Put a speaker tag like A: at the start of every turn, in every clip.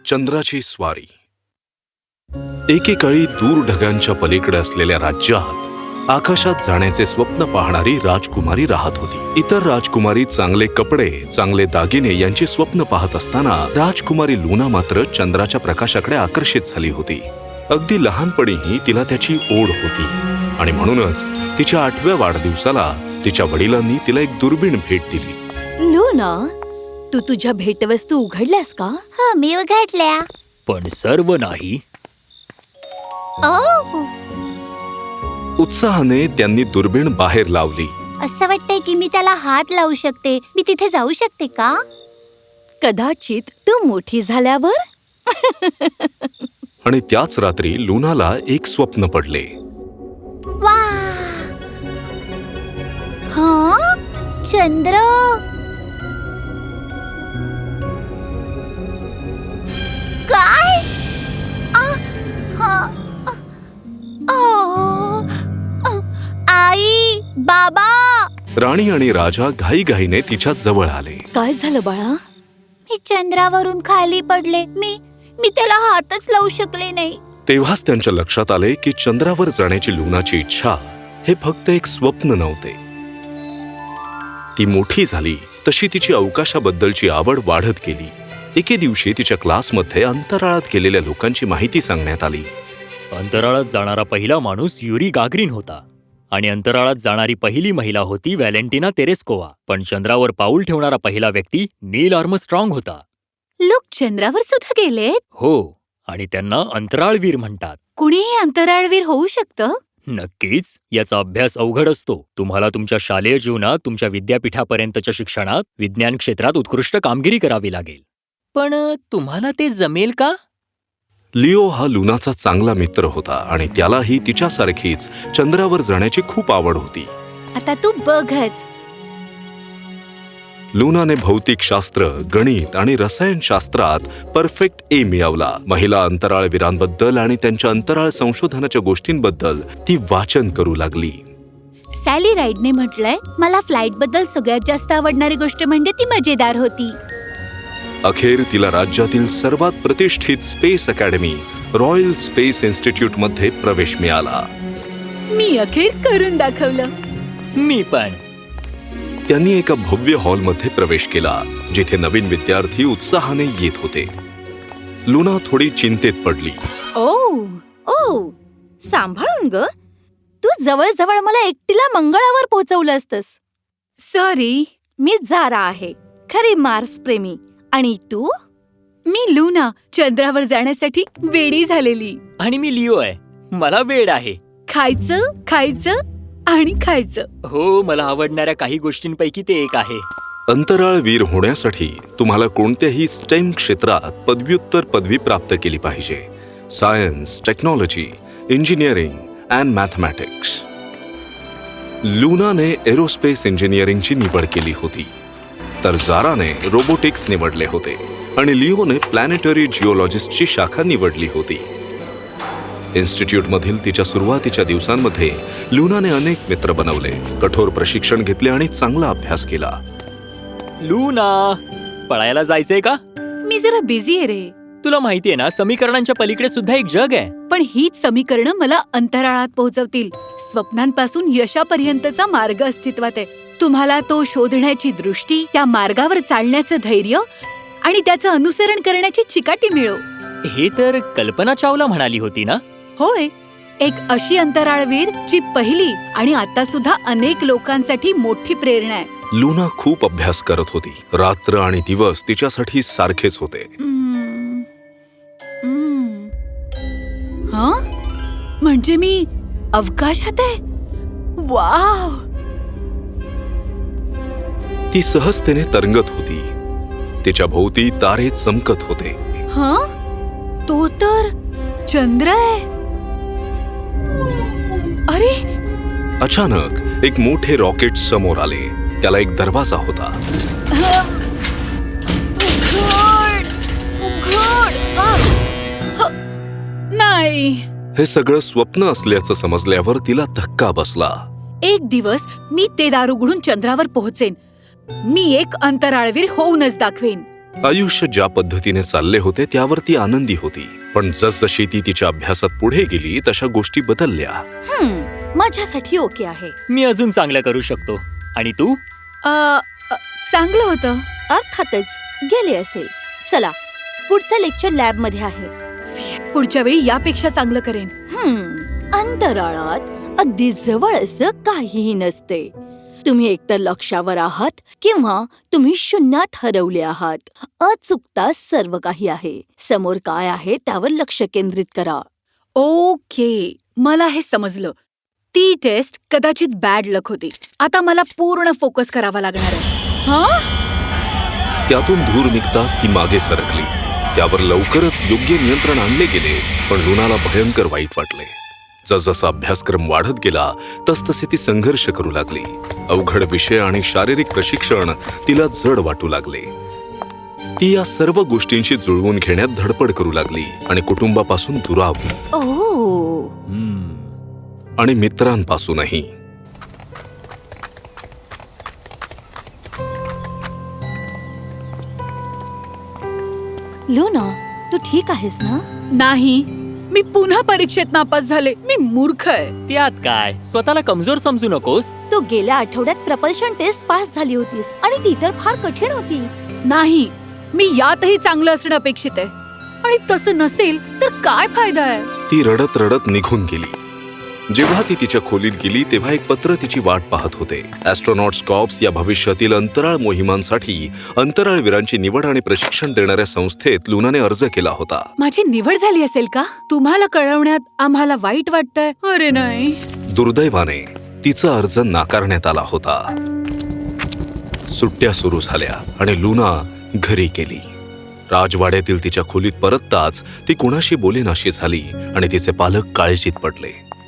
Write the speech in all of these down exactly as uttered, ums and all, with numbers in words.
A: चंद्राची स्वारी. एकेकाळी दूर ढगांच्या पलीकडे असलेल्या राज्यात आकाशात जाण्याचे स्वप्न पाहणारी राजकुमारी राहत होती. इतर राजकुमारी चांगले कपडे, चांगले दागिने यांची स्वप्न पाहत असताना राजकुमारी लुना मात्र चंद्राच्या प्रकाशाकडे आकर्षित झाली होती. अगदी लहानपणीही तिला त्याची ओढ होती आणि म्हणूनच तिच्या आठव्या वाढदिवसाला तिच्या वडिलांनी तिला एक दुर्बीण भेट दिली.
B: लुना, तू तुझ्या भेटवस्तू उघडल्यास का?
C: हो, मी उघडल्या.
D: पण सर्व नाही.
C: ओह,
A: उत्साहाने त्यांनी दुर्बीण बाहेर लावली.
C: असं वाटतंय की मी त्याला हात लावू शकते. मी तिथे जाऊ शकते का?
B: कदाचित तू मोठी झाल्यावर.
A: आणि त्याच रात्री लुनाला एक स्वप्न पडले.
C: वा, हा चंद्र. काय? आ, हा, आ, आ, आई, बाबा.
A: राणी आणि राजा घाईघाईने तिच्या जवळ आले.
B: काय झालं बाळा?
C: मी चंद्रावरून खाली पडले. मी मी त्याला हातच लावू शकले नाही.
A: तेव्हाच त्यांच्या लक्षात आले की चंद्रावर जाण्याची लुनाची इच्छा हे फक्त एक स्वप्न नव्हते. ती मोठी झाली तशी तिची अवकाशाबद्दलची आवड वाढत गेली. एके दिवशी तिच्या क्लासमध्ये अंतराळात गेलेल्या लोकांची माहिती सांगण्यात आली.
D: अंतराळात जाणारा पहिला माणूस युरी गागरिन होता आणि अंतराळात जाणारी पहिली महिला होती व्हॅलेंटिना तेरेस्कोवा. पण चंद्रावर पाऊल ठेवणारा पहिला व्यक्ती नील आर्मस्ट्रॉंग होता.
C: लोक चंद्रावर सुद्धा गेलेत?
D: हो, आणि त्यांना अंतराळवीर म्हणतात.
C: कुणीही अंतराळवीर होऊ शकतं?
D: नक्कीच. याचा अभ्यास अवघड असतो. तुम्हाला तुमच्या शालेय जीवनात, तुमच्या विद्यापीठापर्यंतच्या शिक्षणात विज्ञान क्षेत्रात उत्कृष्ट कामगिरी करावी लागेल. पण तुम्हाला ते जमेल का?
A: लिओ हा लुनाचा चांगला मित्र होता आणि त्यालाही तिच्यासारखीच चंद्रावर जाण्याची खूप आवड होती.
C: आता तू बघच.
A: लुनाने भौतिकशास्त्र, गणित आणि रसायनशास्त्रात परफेक्ट ए मिळवला. महिला अंतराळवीरांबद्दल आणि त्यांच्या अंतराळ संशोधनाच्या गोष्टींबद्दल ती वाचन करू लागली.
C: सॅली राईडने म्हटलंय, मला फ्लाइट बद्दल सगळ्यात जास्त आवडणारी गोष्ट म्हणजे ती मजेदार होती.
A: अखेर तिला राज्यातील सर्वात प्रतिष्ठित space academy royal space institute मध्ये प्रवेश मिळाला.
C: मी अखेर करून दाखवलं.
D: मी पण.
A: त्यांनी एका भव्य हॉलमध्ये प्रवेश केला जिथे नवीन विद्यार्थी उत्साहाने येत होते. लुना थोडी चिंतेत पडली.
B: ओ ओ सांभाळून ग. तू जवळ-जवळ मला एकटीला मंगळावर पोहोचवलं असतस.
C: सॉरी.
B: मी जारा आहे, खरी मार्स प्रेमी. आणि तू?
C: मी लुना, चंद्रावर जाण्यासाठी वेडी झालेली.
D: आणि मी लिओ आहे, मला वेड आहे.
C: खायचं, खायचं आणि खायचं.
D: हो, मला आवडणाऱ्या काही गोष्टींपैकी ते एक आहे.
A: अंतराळवीर होण्यासाठी तुम्हाला कोणत्याही स्टेम क्षेत्रात पदव्युत्तर पदवी प्राप्त केली पाहिजे. Science, technology, engineering and mathematics. लुनाने एरोस्पेस इंजिनिअरिंगची निवड केली होती, तर जाराने रोबोटिक्स निवडले होते आणि लिओने प्लॅनेटरी जिओलॉजिस्टची शाखा निवडली होती. इन्स्टिट्यूटमधील तिच्या सुरुवातीच्या दिवसांमध्ये लुनाने अनेक मित्र बनवले, कठोर प्रशिक्षण घेतले आणि चांगला अभ्यास केला.
D: लुना, पळायला जायचंय का?
C: मी जरा बिझी आहे रे.
D: तुला माहितीये ना, समीकरणांच्या पलीकडे सुद्धा एक जग आहे.
C: पण हीच समीकरणं मला अंतराळात पोहोचवतील. स्वप्नांपासून यशापर्यंतचा मार्ग अस्तित्वात आहे. तुम्हाला तो शोधण्याची दृष्टी, त्या मार्गावर चालण्याचं धैर्य आणि त्याचं अनुसरण करण्याची चिकाटी मिळो.
D: हे तर कल्पना चावला म्हणाली होती ना?
C: होय, एक अशी अंतराळवीर जी पहिली आणि आता सुद्धा अनेक लोकांसाठी मोठी प्रेरणा आहे.
A: लुना खूप अभ्यास करत होती. रात्र आणि दिवस तिच्यासाठी सारखेच होते.
C: हम्म. हम्म. हा? म्हणजे मी अवकाशात आहे? वाव!
A: ती सहजतेने तरंगत होती. तिच्या भोवती तारे चमकत होते.
C: हा? तो तर चंद्र आहे. अरे,
A: अचानक एक मोठे रॉकेट समोर आले. त्याला एक दरवाजा होता.
C: उघड, उघड. आ, ह, नाही.
A: हे सगळं स्वप्न असल्याचं समजल्यावर तिला धक्का बसला.
C: एक दिवस मी ते दार उघडून चंद्रावर पोहोचेन. मी एक अंतराळवीर होऊनच दाखवेन.
A: आयुष्य ज्या पद्धतीने चालले होते त्यावर ती आनंदी होती. पण जसजशी ती तिच्या अभ्यासात पुढे गेली तशा गोष्टी बदलल्या.
B: हम्म माझ्यासाठी ओके आहे.
D: मी अजून चांगलं करू शकतो. आणि तू?
C: अ, अ, चांगलं होतं.
B: अर्थातच गेले असेल. चला पुढचं लेक्चर लॅब मध्ये आहे.
C: पुढच्या वेळी यापेक्षा चांगलं करेन.
B: हम्म अंतराळात अगदी जवळ असं काहीही नसते. तुम्ही एकतर लक्षावर आहात किंवा तुम्ही शून्यात हरवले आहात. अचूकता सर्व काही आहे. समोर काय आहे त्यावर लक्ष केंद्रित करा.
C: ओके, मला हे समजलं. ती टेस्ट कदाचित बॅड लक होती. आता मला पूर्ण फोकस करावा लागणार आहे. हा?
A: त्यातून धूर निघताच ती मागे सरकली. त्यावर लवकरच योग्य नियंत्रण आणले गेले. पण लुनाला भयंकर वाईट वाटले. जसजसा अभ्यासक्रम वाढत गेला तसतसे ती संघर्ष करू लागली. अवघड विषय आणि शारीरिक प्रशिक्षण तिला जड वाटू लागले. ती या सर्व गोष्टींशी जुळवून घेण्यात धडपड करू लागली आणि कुटुंबापासून दुरावली.
B: ओह
D: हम्म.
A: आणि मित्रांपासूनही.
B: लुना, तू ठीक आहेस ना?
C: नाही, मी पुन्हा परीक्षेत नापास झाले. मी मूर्ख आहे.
D: त्यात काय, स्वतःला कमजोर समजू नकोस.
B: तू गेल्या आठवड्यात प्रपल्शन टेस्ट पास झाली होतीस आणि ती तर फार कठीण होती.
C: नाही, मी यातही चांगलं असणं अपेक्षित आहे. आणि तसं नसेल तर काय फायदा आहे?
A: ती रडत रडत निघून गेली. जेव्हा ती तिच्या खोलीत गेली तेव्हा एक पत्र तिची वाट पाहत होते. ॲस्ट्रोनॉट्स कॉर्प्स या भविष्यातील अंतराळ मोहिमांसाठी अंतराळवीरांची निवड आणि प्रशिक्षण देणाऱ्या संस्थेत लुनाने अर्ज केला होता.
C: माझी निवड झाली असेल का? तुम्हाला कळवण्यात आम्हाला वाईट वाटतंय. अरे नाही.
A: दुर्दैवाने तिचा अर्ज नाकारण्यात आला होता. सुट्ट्या सुरू झाल्या आणि लुना घरी गेली. राजवाड्यातील तिच्या खोलीत परतताच ती कुणाशी बोलेनाशी झाली आणि तिचे पालक काळजीत पडले.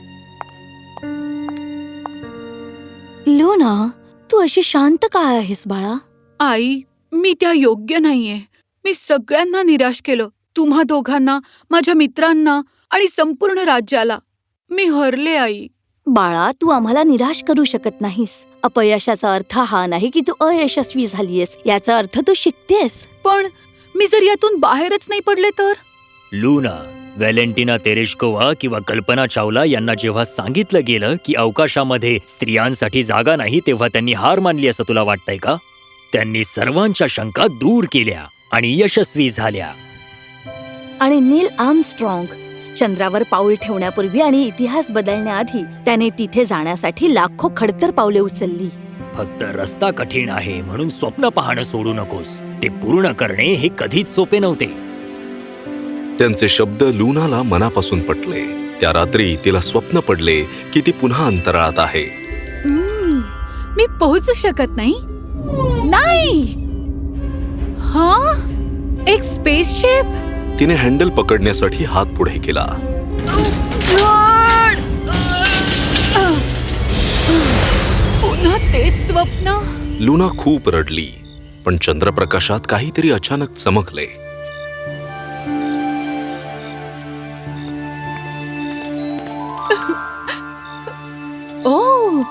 B: लुना, तू अशी शांत काय आहेस बाळा?
C: आई, मी त्या योग्य नाहीये. मी सगळ्यांना निराश केलं. तुम्हा दोघांना, माझ्या मित्रांना आणि संपूर्ण राज्याला. मी हरले आई.
B: बाळा, तू आम्हाला निराश करू शकत नाहीस. अपयशाचा अर्थ हा नाही की तू अयशस्वी झालीयस. याचा अर्थ तू शिकतेस.
C: पण मी जर यातून बाहेरच नाही पडले तर?
D: लुना, व्हॅलेंटिना तेरेश्कोवा किंवा कल्पना चावला यांना जेव्हा सांगितलं गेलं की अवकाशामध्ये स्त्रियांसाठी जागा नाही तेव्हा त्यांनी हार मानली असं तुला वाटतंय का? त्यांनी सर्वांच्या शंका दूर केल्या आणि यशस्वी झाल्या.
B: आणि नील आर्मस्ट्रॉंग चंद्रावर पाऊल ठेवण्यापूर्वी आणि इतिहास बदलण्याआधी त्याने तिथे जाण्यासाठी लाखो खडतर पावले उचलली.
D: फक्त रस्ता कठीण आहे म्हणून स्वप्न पाहणं सोडू नकोस. ते पूर्ण करणे हे कधीच सोपे नव्हते.
A: त्यांचे शब्द लुनाला मनापासून पटले. त्या रात्री तिला स्वप्न पडले की ती पुन्हा अंतराळात आहे.
C: हम्म, मी पोहोचू शकत नाही. नाही. हा? एक स्पेसशिप?
A: तिने हँडल पकडण्यासाठी हात पुढे केला.
C: पुन्हा तेच स्वप्न.
A: लुना खूप रडली. पण चंद्रप्रकाशात काहीतरी अचानक चमकले.
C: ओ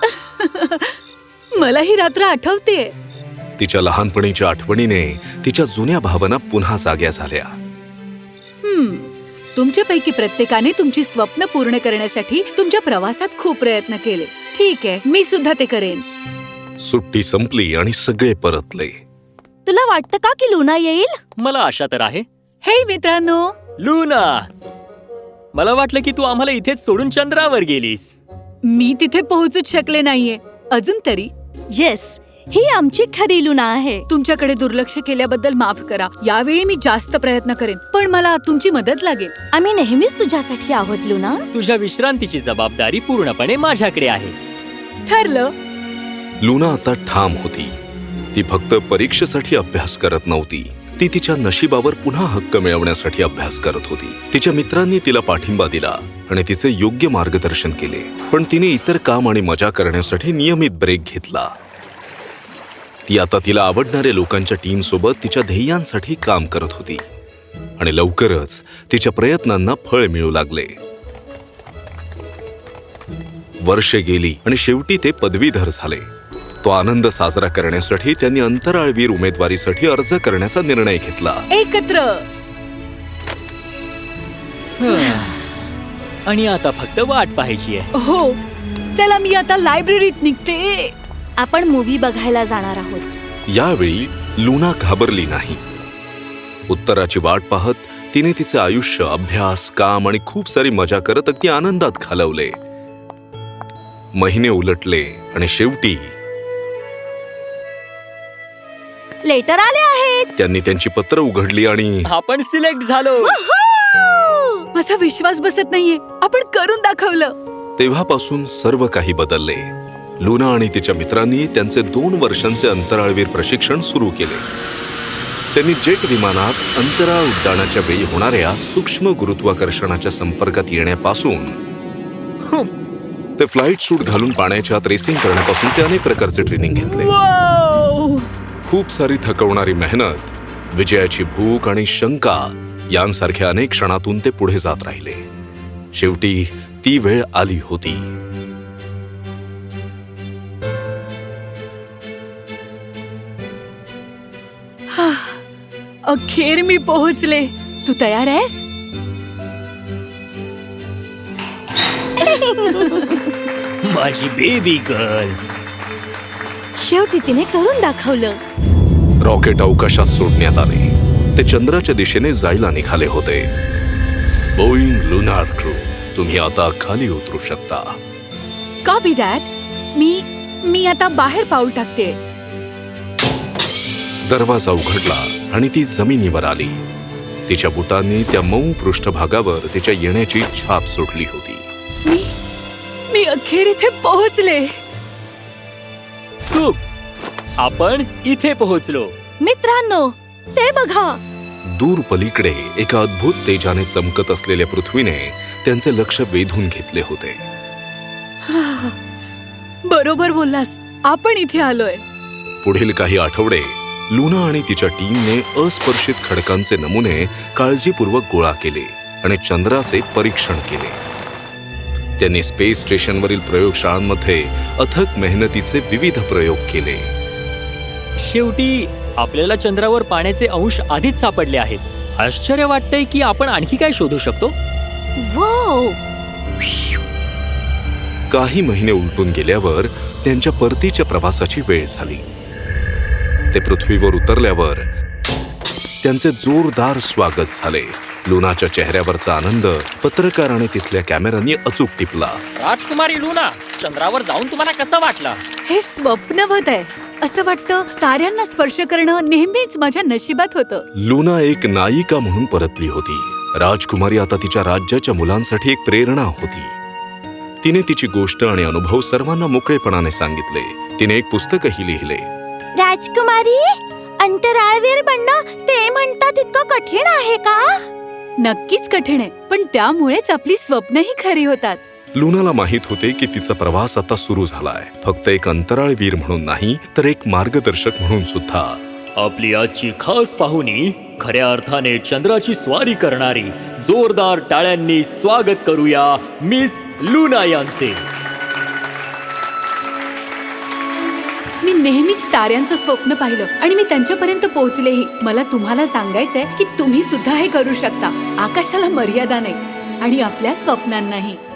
C: मला ही रात्र आठवते.
A: तिच्या लहानपणीच्या आठवणीने तिच्या जुन्या भावना पुन्हा जाग्या झाल्या.
C: हम्म तुमच्यापैकी प्रत्येकाने तुमची स्वप्न पूर्ण करण्यासाठी तुमच्या प्रवासात खूप प्रयत्न केले. ठीक आहे, मी सुद्धा ते करेन.
A: सुट्टी संपली आणि सगळे परतले.
B: तुला वाटतं का की लुना येईल?
D: मला आशा तर आहे.
C: हे मित्रांनो,
D: लुना, मला वाटलं की तू आम्हाला इथेच सोडून चंद्रावर गेलीस.
C: मी तिथे पोहोचूच शकले नाहीये अजून तरी.
B: येस, ही आमची खरी लुना आहे.
C: तुमच्याकडे दुर्लक्ष केल्याबद्दल माफ करा. यावेळी मी जास्त प्रयत्न करेन, पण मला तुमची मदत लागेल.
B: आम्ही नेहमीच तुझ्यासाठी आहोत लुना.
D: तुझ्या विश्रांतीची जबाबदारी पूर्णपणे माझ्याकडे आहे.
C: ठरलं.
A: लुना आता ठाम होती. ती फक्त परीक्षेसाठी अभ्यास करत नव्हती. ती तिच्या नशिबावर पुन्हा हक्क मिळवण्यासाठी अभ्यास करत होती. तिच्या मित्रांनी तिला पाठिंबा दिला आणि तिचे योग्य मार्गदर्शन केले. पण तिने इतर काम आणि मजा करण्यासाठी नियमित ब्रेक घेतला. ती आता तिला आवडणाऱ्या लोकांच्या टीम सोबत तिच्या ध्येयांसाठी काम करत होती आणि लवकरच तिच्या प्रयत्नांना फळ मिळू लागले. वर्षे गेली आणि शेवटी ते पदवीधर झाले. तो आनंद साजरा करण्यासाठी त्यांनी अंतराळवीर उमेदवारीसाठी अर्ज करण्याचा निर्णय घेतला.
C: एकत्र.
D: आणि आता फक्त वाट पाहायची आहे.
C: हो, चला मी आता लायब्ररीत निघते.
B: आपण मूवी बघायला जाणार आहोत.
A: यावेळी लुना घाबरली नाही. उत्तराची वाट पाहत तिने तिचे आयुष्य अभ्यास, काम आणि खूप सारी मजा करत अगदी आनंदात घालवले. महिने उलटले आणि शेवटी
B: लेटर आले आहेत.
A: त्यांनी त्यांची पत्र उघडली आणि
D: आपण सिलेक्ट झालो.
C: माझा विश्वास बसत नाहीये. आपण करून दाखवलं.
A: तेव्हापासून सर्व काही बदलले. लुना आणि तिच्या मित्रांनी त्यांचे दोन वर्षांचे अंतराळवीर प्रशिक्षण सुरू केले. त्यांनी जेट विमानात अंतराळ उड्डाणाच्या वेळी होणाऱ्या सूक्ष्म गुरुत्वाकर्षणाच्या संपर्कात येण्यापासून ते फ्लाईट सूट घालून पाण्याच्या आत रेसिंग करण्यापासूनचे अनेक प्रकारचे ट्रेनिंग घेतले.
C: वाव!
A: खूप सारी थकवणारी मेहनत, विजयाची भूक आणि शंका यांसारख्या अनेक क्षणातून ते पुढे जात राहिले. शेवटी ती वेळ आली होती.
C: अखेर मी पोहोचले. तू तयार आहेस?
D: माझी बेबी गर्ल.
B: शेवटी तिने करून दाखवलं.
A: रॉकेट अवकाशात सोडण्यात आले. ते चंद्राच्या दिशेने जायला निघाले होते. बोईंग लुनार क्रू, तुम्ही आता खाली उतरू शकता.
C: Copy that. मी मी आता बाहेर पाऊल टाकते.
A: दरवाजा उघडला आणि ती जमिनीवर आली. तिच्या बुटांनी त्या मऊ पृष्ठभागावर तिच्या येण्याची छाप सोडली होती.
C: मी मी अखेर इथे पोहोचले.
D: चूक. आपण इथे पोहोचलो.
B: मित्रांनो, ते बघा.
A: दूर पलीकडे एका अद्भुत तेजाने चमकत असलेल्या पृथ्वीने त्यांचे लक्ष वेधून घेतले होते.
C: बरोबर बोललास. आपण इथे आलोय.
A: पुढील काही आठवडे लुना आणि तिच्या टीमने अस्पर्शित खडकांचे नमुने काळजीपूर्वक गोळा केले आणि चंद्राचे परीक्षण केले. त्यांनी स्पेस स्टेशनवरील प्रयोगशाळांमध्ये अथक मेहनतीचे विविध प्रयोग केले.
D: शेवटी आपल्याला चंद्रावर पाण्याचे अंश आधीच सापडले आहेत. आश्चर्य वाटतंय की आपण आणखी काय शोधू शकतो.
B: वाव!
A: काही महिने उलटून गेल्यावर त्यांच्या परतीच्या प्रवासाची वेळ झाली. ते पृथ्वीवर उतरल्यावर त्यांचे जोरदार स्वागत झाले. लुनाच्या चेहऱ्यावरचा आनंद पत्रकार आणि तिथल्या कॅमेऱ्यांनी अचूक टिपला.
D: राजकुमारी लुना, चंद्रावर जाऊन तुम्हाला कसं वाटलं?
C: हे स्वप्नवत आहे. असं वाटतं ताऱ्यांना स्पर्श करणं नेहमीच माझ्या नशिबात होतं.
A: लुना एक नायिका म्हणून परतली होती. राजकुमारी आता तिच्या राज्याच्या मुलांसाठी एक प्रेरणा होती. तिने तिची गोष्ट आणि अनुभव सर्वांना मोकळेपणाने सांगितले. तिने एक पुस्तकही लिहिले.
B: राजकुमारी, अंतराळवीर बनणं ते म्हणतात इतकं कठीण आहे का?
C: नक्कीच कठीण आहे, पण त्यामुळेच आपली स्वप्नही खरी होतात.
A: लुनाला माहित होते की तिचा प्रवास आता सुरू झालाय. फक्त एक अंतराळवीर म्हणून नाही, तर एक मार्गदर्शक म्हणून सुद्धा.
D: आपली आजची खास पाहुणी, खऱ्या अर्थाने चंद्राची स्वारी करणारी. जोरदार टाळ्यांनी स्वागत करूया मिस लुना यांचे.
C: मी नेहमीच ताऱ्यांचं स्वप्न पाहिलं आणि मी त्यांच्यापर्यंत पोहोचलेही. मला तुम्हाला सांगायचंय की तुम्ही सुद्धा हे करू शकता. आकाशाला मर्यादा नाही आणि आपल्या स्वप्नांनाही.